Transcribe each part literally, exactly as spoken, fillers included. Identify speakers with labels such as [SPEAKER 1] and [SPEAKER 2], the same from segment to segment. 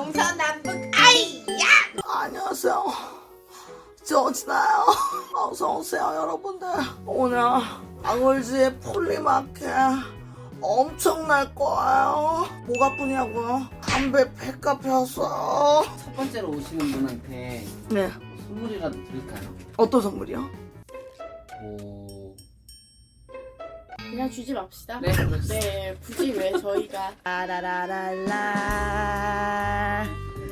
[SPEAKER 1] 동서남북 아이야.
[SPEAKER 2] 안녕하세요. 저진아요. 어서오세요 여러분들. 오늘 아걸즈의 폴리마켓 엄청날 거예요. 뭐가 뿐이냐고요? 담배 폐값 폈어요.
[SPEAKER 3] 첫 번째로 오시는 분한테
[SPEAKER 2] 네.
[SPEAKER 3] 선물이라도 드릴까요?
[SPEAKER 2] 어떤 선물이요?
[SPEAKER 3] 오...
[SPEAKER 1] 그냥 주지 맙시다.
[SPEAKER 3] 네, 그렇습니다.
[SPEAKER 1] 네, 굳이 왜 저희가
[SPEAKER 2] 따라라랄라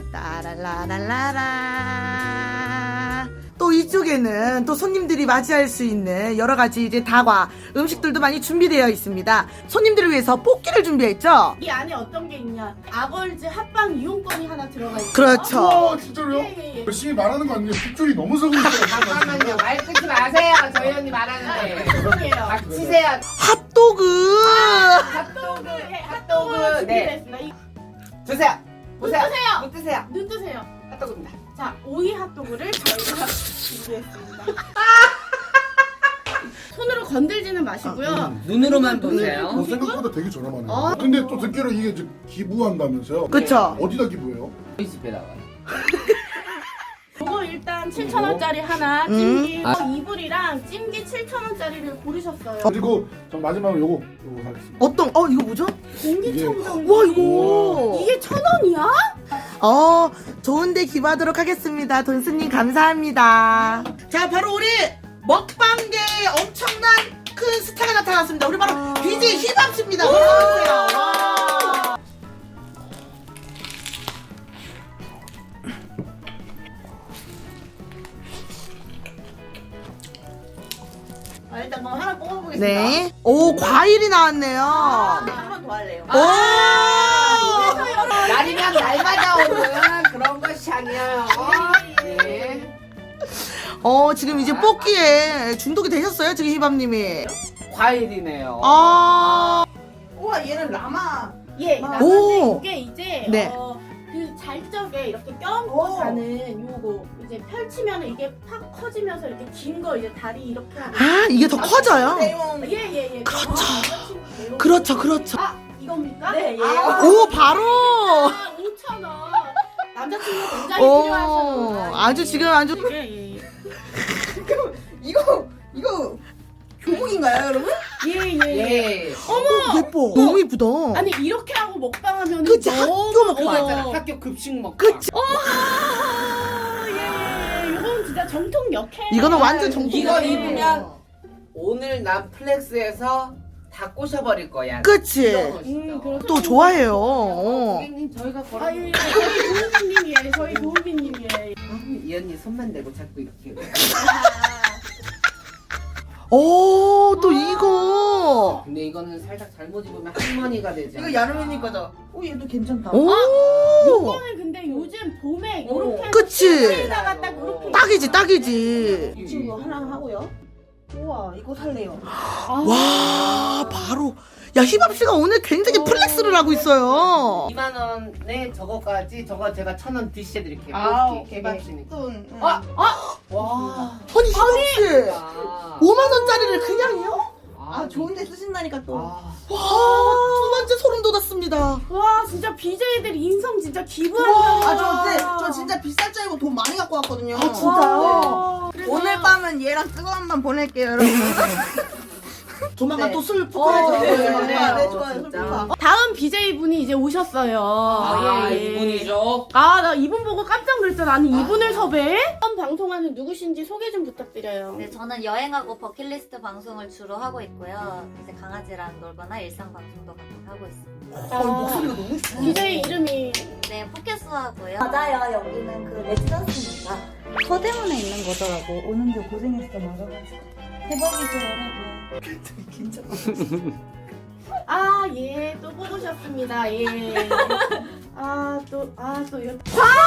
[SPEAKER 2] 따라라랄라라. 또 이쪽에는 또 손님들이 맞이할 수 있는 여러 가지 이제 다과 음식들도 많이 준비되어 있습니다. 손님들을 위해서 뽑기를 준비했죠.
[SPEAKER 1] 이 안에 어떤 게 있냐? 아걸즈 합방 이용권이 하나 들어가 있어요.
[SPEAKER 2] 그렇죠.
[SPEAKER 4] 와 진짜로요?
[SPEAKER 1] 예, 예, 예.
[SPEAKER 4] 열심히 말하는 거 아니에요? 뒷줄이 너무 서고 있어요.
[SPEAKER 3] 잠깐만요. 말 끊지 마세요. 저희 언니 말하는데.
[SPEAKER 1] 죄송해요.
[SPEAKER 3] 닥치세요.
[SPEAKER 2] 핫도그.
[SPEAKER 1] 핫도그, 예,
[SPEAKER 3] 핫도그,
[SPEAKER 1] 핫도그
[SPEAKER 3] 네.
[SPEAKER 1] 준비했습니다. 이-
[SPEAKER 3] 드세요.
[SPEAKER 1] 눈
[SPEAKER 3] 보세요.
[SPEAKER 1] 뜨세요.
[SPEAKER 3] 눈 뜨세요.
[SPEAKER 1] 눈 뜨세요.
[SPEAKER 3] 핫도그입니다.
[SPEAKER 1] 자, 오이 핫도그를 저희가 준비했습니다. 손으로 건들지는 마시고요.
[SPEAKER 3] 눈으로만
[SPEAKER 4] 어,
[SPEAKER 3] 보세요.
[SPEAKER 4] 생각보다 되게 저렴하네요.
[SPEAKER 1] 어?
[SPEAKER 4] 근데 또 듣기로 이게 이제 기부한다면서요?
[SPEAKER 2] 그쵸.
[SPEAKER 4] 어디다 기부해요?
[SPEAKER 3] 저희 집에다가.
[SPEAKER 1] 이거 일단 칠천 원짜리 하나,
[SPEAKER 2] 음.
[SPEAKER 1] 찜기
[SPEAKER 3] 아.
[SPEAKER 1] 이불이랑 찜기 칠천 원짜리를 고르셨어요.
[SPEAKER 4] 그리고 전 마지막으로 요거 요거 사겠습니다.
[SPEAKER 2] 어떤 어 이거 뭐죠?
[SPEAKER 1] 공기청정.
[SPEAKER 2] 와 이거.
[SPEAKER 1] 이게 천 원이야?
[SPEAKER 2] 어 좋은데 기부하도록 하겠습니다. 돈스님 감사합니다. 자 바로 우리 먹방계 엄청난 큰 스타가 나타났습니다. 우리 바로
[SPEAKER 1] 아.
[SPEAKER 2] 비제이 힙합씨입니다. 어서오세요. 와.
[SPEAKER 5] 아, 일단 그럼 하나 뽑아보겠습니다.
[SPEAKER 2] 네. 오 과일이 나왔네요.
[SPEAKER 5] 네, 한 번 더 할래요.
[SPEAKER 2] 오.
[SPEAKER 3] 날이면 날마다 오는 그런 것이 아니에요. 네.
[SPEAKER 2] 어 지금 이제 뽑기에 중독이 되셨어요 지금 힙합님이.
[SPEAKER 3] 과일이네요.
[SPEAKER 2] 아.
[SPEAKER 5] 우와, 얘는 라마.
[SPEAKER 1] 예,
[SPEAKER 5] 아.
[SPEAKER 1] 나는데
[SPEAKER 2] 오.
[SPEAKER 1] 이게 이제
[SPEAKER 2] 네.
[SPEAKER 1] 어, 그 잘적에 이렇게 껴안고
[SPEAKER 5] 오.
[SPEAKER 1] 자는 요거 이제 펼치면 이게 팍 커지면서 이렇게 긴 거 이제 다리 이렇게 하고.
[SPEAKER 2] 아 이게 더 커져요.
[SPEAKER 5] 내용.
[SPEAKER 1] 예예 예.
[SPEAKER 2] 그렇죠.
[SPEAKER 1] 내용.
[SPEAKER 2] 그렇죠 그렇죠.
[SPEAKER 1] 아 이겁니까?
[SPEAKER 5] 네, 얘요.
[SPEAKER 1] 아,
[SPEAKER 2] 오 바로.
[SPEAKER 1] 아, 오천 원. 남자친구 굉장히
[SPEAKER 2] 오
[SPEAKER 1] 필요하셔서.
[SPEAKER 2] 아주 지금 아주.
[SPEAKER 1] 예예 예.
[SPEAKER 5] 이거, 이거 교복인가요, 여러분?
[SPEAKER 1] 예예 예.
[SPEAKER 3] 예.
[SPEAKER 2] 어머 예뻐. 너무 이쁘다.
[SPEAKER 1] 아니 이렇게 하고 먹방하면
[SPEAKER 2] 그치,
[SPEAKER 1] 너무
[SPEAKER 2] 학교 먹방.
[SPEAKER 1] 어.
[SPEAKER 3] 맞잖아. 학교 급식 먹방.
[SPEAKER 2] 그치.
[SPEAKER 1] 아, 예, 이건 진짜 정통 역해.
[SPEAKER 2] 이거는 완전 정통
[SPEAKER 3] 이거
[SPEAKER 2] 역해.
[SPEAKER 3] 입으면 오늘 난 플렉스에서 다 꼬셔버릴 거야.
[SPEAKER 2] 그치.
[SPEAKER 1] 음, 그렇죠.
[SPEAKER 2] 또 좋아해요. 어.
[SPEAKER 3] 고객님 저희가 걸어.
[SPEAKER 1] 아유, 예, 저희 도우비님이에요. 저희 도우비님이에요.
[SPEAKER 3] 이 언니 손만 대고 자꾸 이렇게.
[SPEAKER 2] 오, 또 이거.
[SPEAKER 3] 근데 이거는 살짝 잘못 입으면 할머니가 되지.
[SPEAKER 5] 이거 야르미님 거죠? 오, 얘도 괜찮다.
[SPEAKER 2] 오.
[SPEAKER 1] 요거는 근데 요즘 봄에 요렇게 해서
[SPEAKER 2] 그치.
[SPEAKER 1] 실에다가 딱 요렇게
[SPEAKER 2] 딱이지, 딱이지.
[SPEAKER 5] 이 친구 하나 하고요. 우와, 이거 살래요.
[SPEAKER 1] 아,
[SPEAKER 2] 와, 바로. 야, 힙합씨가 오늘 굉장히 플렉스를 하고 있어요.
[SPEAKER 3] 이만 원에 저거까지 저거 제가 천 원 디시해드릴게요.
[SPEAKER 5] 아,
[SPEAKER 3] 뽑기
[SPEAKER 5] 오케이.
[SPEAKER 3] 개밥이니까.
[SPEAKER 5] 돈. 응.
[SPEAKER 3] 아, 아, 와.
[SPEAKER 2] 아니, 힙합씨.
[SPEAKER 3] 아,
[SPEAKER 2] 오만 원짜리를 그냥요?
[SPEAKER 5] 아, 좋은데 쓰신다니까 또.
[SPEAKER 3] 아,
[SPEAKER 2] 와, 두 번째 소름 돋았습니다.
[SPEAKER 1] 와, 진짜 비제이들 인성 진짜 기부한다.
[SPEAKER 5] 아, 저, 근데 저 진짜 비쌀 줄 알고 돈 많이 갖고 왔거든요.
[SPEAKER 2] 아, 진짜요?
[SPEAKER 1] 와, 그래서
[SPEAKER 5] 오늘 밤은 얘랑 뜨거운 밤 보낼게요, 여러분.
[SPEAKER 2] 조만간
[SPEAKER 5] 네.
[SPEAKER 2] 또 술
[SPEAKER 5] 어,
[SPEAKER 2] 푸셔야죠.
[SPEAKER 5] 네,
[SPEAKER 3] 네,
[SPEAKER 5] 네,
[SPEAKER 3] 네,
[SPEAKER 5] 네, 좋아요.
[SPEAKER 3] 진짜.
[SPEAKER 5] 좋다.
[SPEAKER 1] 다음 비제이 분이 이제 오셨어요.
[SPEAKER 3] 아,
[SPEAKER 1] 예, 예.
[SPEAKER 3] 이분이죠.
[SPEAKER 1] 아, 나 이분 보고 깜짝 놀랐어. 나는 이분을 섭외? 처음 방송하는 누구신지 소개 좀 부탁드려요.
[SPEAKER 6] 네, 저는 여행하고 버킷리스트 방송을 주로 하고 있고요. 이제 강아지랑 놀거나 일상 방송도 가끔 하고 있습니다.
[SPEAKER 2] 어, 목소리가 너무 좋아.
[SPEAKER 1] 비제이 이름이
[SPEAKER 6] 네, 포켓스 하고요. 맞아요. 여기는 그 레지던스입니다. 서대문에 있는 거더라고. 오는 길 고생했어 말아가지고. 대박이죠, 여러분.
[SPEAKER 1] 아, 예, 또 뽑으셨습니다. 예. 아, 또, 아, 또 이렇게.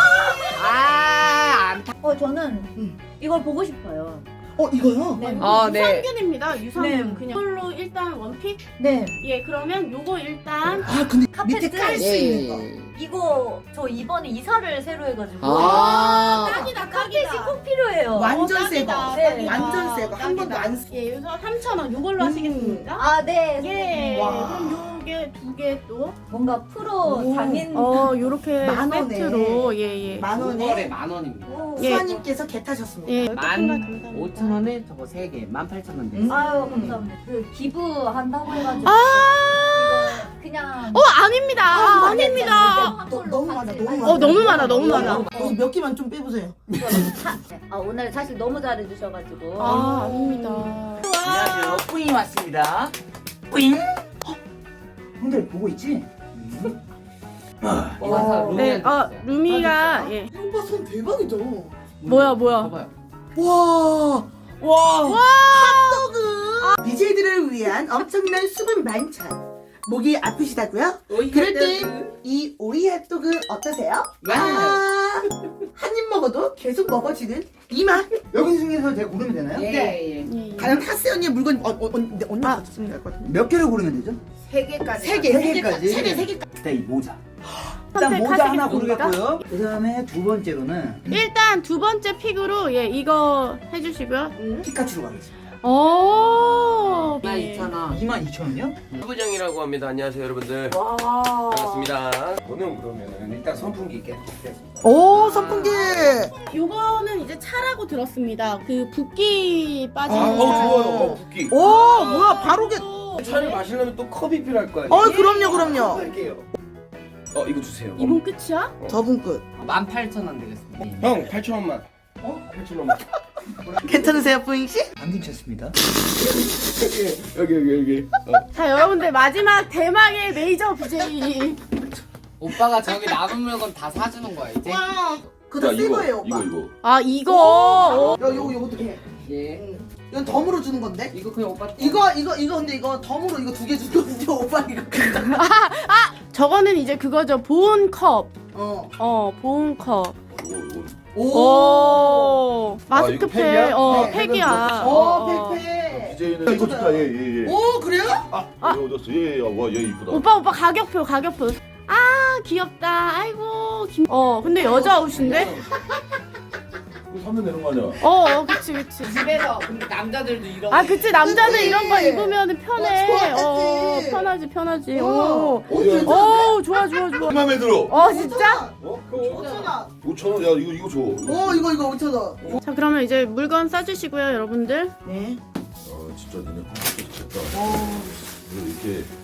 [SPEAKER 3] 아, 안 타.
[SPEAKER 6] 어, 저는
[SPEAKER 2] 음.
[SPEAKER 6] 이걸 보고 싶어요.
[SPEAKER 2] 어, 이거요?
[SPEAKER 6] 네.
[SPEAKER 3] 어, 네.
[SPEAKER 1] 유산균입니다. 유산균.
[SPEAKER 6] 네.
[SPEAKER 1] 그냥 이걸로 일단 원픽?
[SPEAKER 6] 네.
[SPEAKER 1] 예, 그러면 요거 일단.
[SPEAKER 2] 아, 근데
[SPEAKER 6] 카페트.
[SPEAKER 2] 밑에 깔 수
[SPEAKER 3] 예.
[SPEAKER 2] 있는 거.
[SPEAKER 6] 이거 저 이번에 이사를 새로 해가지고.
[SPEAKER 3] 아,
[SPEAKER 1] 딱이다,
[SPEAKER 6] 카펫이
[SPEAKER 1] 딱이다.
[SPEAKER 6] 꼭 필요해요.
[SPEAKER 2] 완전
[SPEAKER 1] 어,
[SPEAKER 2] 새 거.
[SPEAKER 1] 딱이다,
[SPEAKER 6] 네.
[SPEAKER 1] 딱이다.
[SPEAKER 2] 완전 새 거. 한 번도
[SPEAKER 1] 딱이다.
[SPEAKER 2] 안 쓰.
[SPEAKER 1] 예, 여기서 삼천 원 요걸로
[SPEAKER 2] 음.
[SPEAKER 1] 하시겠습니다.
[SPEAKER 6] 아, 네.
[SPEAKER 1] 예,
[SPEAKER 2] 와.
[SPEAKER 1] 그럼 요 요게 두 개 또.
[SPEAKER 6] 뭔가 프로
[SPEAKER 5] 오.
[SPEAKER 6] 장인.
[SPEAKER 1] 어, 요렇게
[SPEAKER 5] 만 원에.
[SPEAKER 1] 세트로. 예, 예.
[SPEAKER 5] 만
[SPEAKER 3] 원에
[SPEAKER 5] 원에
[SPEAKER 3] 만 원입니다.
[SPEAKER 6] 오.
[SPEAKER 1] 예.
[SPEAKER 5] 수아님께서 개 타셨습니다.
[SPEAKER 1] 예,
[SPEAKER 3] 만
[SPEAKER 1] 감사합니다.
[SPEAKER 3] 오천 원에 저거 세 개, 만 팔천 원
[SPEAKER 5] 음.
[SPEAKER 3] 되겠습니다.
[SPEAKER 6] 아유 감사합니다. 그 기부한다고 해가지고
[SPEAKER 1] 아!
[SPEAKER 6] 이거 그냥
[SPEAKER 1] 어, 아닙니다. 아, 아닙니다.
[SPEAKER 5] 너- 너무 많아, 너무 많아.
[SPEAKER 1] 어, 너무 많아, 너무 많아.
[SPEAKER 5] 여기 몇 개만 좀 빼보세요.
[SPEAKER 6] 아 오늘 사실 너무 잘해주셔가지고
[SPEAKER 1] 아, 아닙니다.
[SPEAKER 7] 안녕하세요. 뿌잉이 왔습니다. 뿌잉. 어? 형들 보고 있지? 아,
[SPEAKER 3] 이건 다 루미한테
[SPEAKER 1] 네, 아,
[SPEAKER 3] 줬어요.
[SPEAKER 1] 루미가, 예.
[SPEAKER 5] 오빠 손 대박이죠?
[SPEAKER 1] 뭐야, 뭐야.
[SPEAKER 3] 봐봐요.
[SPEAKER 5] 와.
[SPEAKER 2] 와.
[SPEAKER 5] 핫도그. 비제이들을 위한 엄청난 수분 만찬. 목이 아프시다고요? 그럴 땐 이 오리 핫도그 어떠세요?
[SPEAKER 3] 와.
[SPEAKER 5] 아, 한 입 먹어도 계속 먹어지는 이 맛.
[SPEAKER 7] 여기 중에서 제가 고르면 되나요?
[SPEAKER 3] 예, 예.
[SPEAKER 1] 예, 예.
[SPEAKER 5] 가장 타스 언니의 물건 어, 어, 언니 언니가 아, 쓰면 될 것 같은데.
[SPEAKER 7] 몇 개를 고르면 되죠?
[SPEAKER 3] 세 개까지.
[SPEAKER 5] 세 개,
[SPEAKER 7] 세
[SPEAKER 5] 세
[SPEAKER 7] 개까지?
[SPEAKER 5] 개까지. 세 개, 세 개까지.
[SPEAKER 7] 일단 이 모자. 일단 모자 하나 고르겠고요. 그 다음에 두 번째로는
[SPEAKER 1] 일단 두 번째 픽으로, 예, 이거 해주시고요.
[SPEAKER 7] 피카츄로 가겠습니다.
[SPEAKER 1] 오.
[SPEAKER 3] 만 이천 원.
[SPEAKER 7] 이만 이천 원이요?
[SPEAKER 8] 부부장이라고 합니다. 안녕하세요, 여러분들.
[SPEAKER 5] 와.
[SPEAKER 8] 반갑습니다. 저는 그러면은 일단 선풍기 있게 드리겠습니다.
[SPEAKER 2] 오, 선풍기.
[SPEAKER 1] 요거는 이제 차라고 들었습니다. 그 붓기 빠지는
[SPEAKER 8] 아, 어,
[SPEAKER 1] 거.
[SPEAKER 8] 좋아요. 어, 붓기.
[SPEAKER 2] 오, 뭐야, 바로 게.
[SPEAKER 8] 차를 마시려면 또 컵이 필요할 거 아니에요?
[SPEAKER 2] 어, 그럼요, 그럼요.
[SPEAKER 8] 할게요. 어, 이거 주세요.
[SPEAKER 1] 이번 끝이야?
[SPEAKER 2] 저분 끝.
[SPEAKER 3] 만 팔천 원 되겠습니다.
[SPEAKER 8] 형, 팔천 원만. 어? 팔천 원만.
[SPEAKER 2] 괜찮으세요, 뿌잉 씨?
[SPEAKER 7] 안 괜찮습니다.
[SPEAKER 8] 여기, 여기, 여기. 어.
[SPEAKER 1] 자, 여러분들 마지막 대망의 메이저 비제이.
[SPEAKER 3] 오빠가 저기 남은 물건 다 사주는 거야 이제.
[SPEAKER 5] 와. 그거 새 거예요, 오빠.
[SPEAKER 8] 이거, 이거.
[SPEAKER 1] 아, 이거.
[SPEAKER 5] 야, 요거 요것도 해.
[SPEAKER 3] 예.
[SPEAKER 5] 이건 덤으로 주는 건데.
[SPEAKER 3] 이거 그냥 오빠.
[SPEAKER 5] 이거 이거 이거 근데 이거 덤으로 이거 두 개 주거든요. 오빠 이거.
[SPEAKER 1] 저거는 이제 그거죠. 보온 컵.
[SPEAKER 5] 어.
[SPEAKER 1] 어, 보온 컵.
[SPEAKER 8] 이거, 이거.
[SPEAKER 1] 오. 마스크팩.
[SPEAKER 8] 팩이야?
[SPEAKER 1] 어,
[SPEAKER 5] 네,
[SPEAKER 1] 팩이야.
[SPEAKER 5] 어, 팩팩.
[SPEAKER 4] 비제이는 이거 좋다. 예, 예, 예.
[SPEAKER 5] 오, 그래요?
[SPEAKER 8] 아.
[SPEAKER 4] 이거 얻었어. 예, 예. 와, 얘 이쁘다.
[SPEAKER 1] 오빠, 오빠 가격표, 가격표. 아, 귀엽다. 아이고. 김... 어, 근데 여자 옷인데?
[SPEAKER 4] 이거 사면 되는 거 아니야?
[SPEAKER 1] 어, 어, 그치, 그치.
[SPEAKER 3] 집에서 근데 남자들도 이런.
[SPEAKER 1] 아, 그치. 남자들
[SPEAKER 5] 그치.
[SPEAKER 1] 이런 거 입으면 편해.
[SPEAKER 5] 어, 좋아하지.
[SPEAKER 1] 어, 편하지, 편하지.
[SPEAKER 5] 어.
[SPEAKER 1] 오.
[SPEAKER 4] 어, 야,
[SPEAKER 1] 오, 좋아, 좋아, 좋아.
[SPEAKER 4] 마음에 들어.
[SPEAKER 1] 어, 진짜?
[SPEAKER 4] 어?
[SPEAKER 5] 오천 원.
[SPEAKER 4] 오천 원. 야, 이거 이거 줘.
[SPEAKER 5] 오, 이거 이거 오천 원.
[SPEAKER 1] 자, 그러면 이제 물건 싸주시고요, 여러분들.
[SPEAKER 5] 네.
[SPEAKER 4] 아, 진짜 너네 컴퓨터 좋겠다. 이거 이렇게